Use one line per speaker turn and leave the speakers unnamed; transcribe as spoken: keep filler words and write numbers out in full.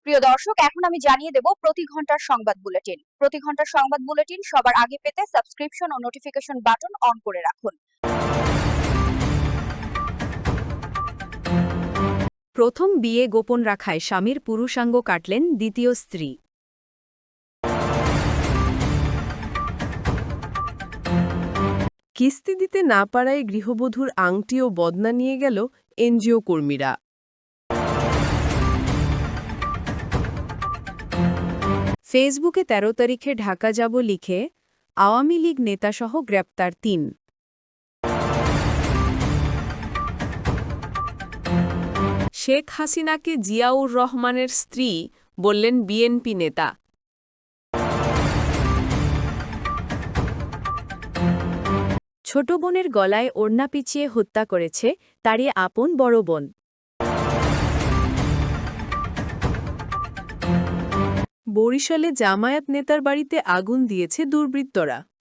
প্রিয় দর্শক, এখন আমি জানিয়ে দেব প্রতি ঘন্টার সংবাদ বুলেটিন। প্রতি ঘন্টার সংবাদ বুলেটিন সবার আগে পেতে সাবস্ক্রিপশন ও নোটিফিকেশন বাটন অন করে রাখুন।
প্রথম বিয়ে গোপন রাখায় স্বামীর পুরুষাঙ্গ কাটলেন দ্বিতীয় স্ত্রী।
কিস্তি দিতে না পারায় গৃহবধূর আংটি ও বদনা নিয়ে গেল এনজিও কর্মীরা।
ফেসবুকে তেরো তারিখে ঢাকা যাব লিখে আওয়ামী লীগ নেতাসহ গ্রেপ্তার তিন। শেখ হাসিনাকে জিয়াউর রহমানের স্ত্রী বললেন বিএনপি নেতা। ছোট বোনের গলায় ওড়না পিছিয়ে হত্যা করেছে তারই আপন বড় বোন।
বরিশালে জামায়াত নেতার বাড়িতে আগুন দিয়েছে দুর্বৃত্তরা।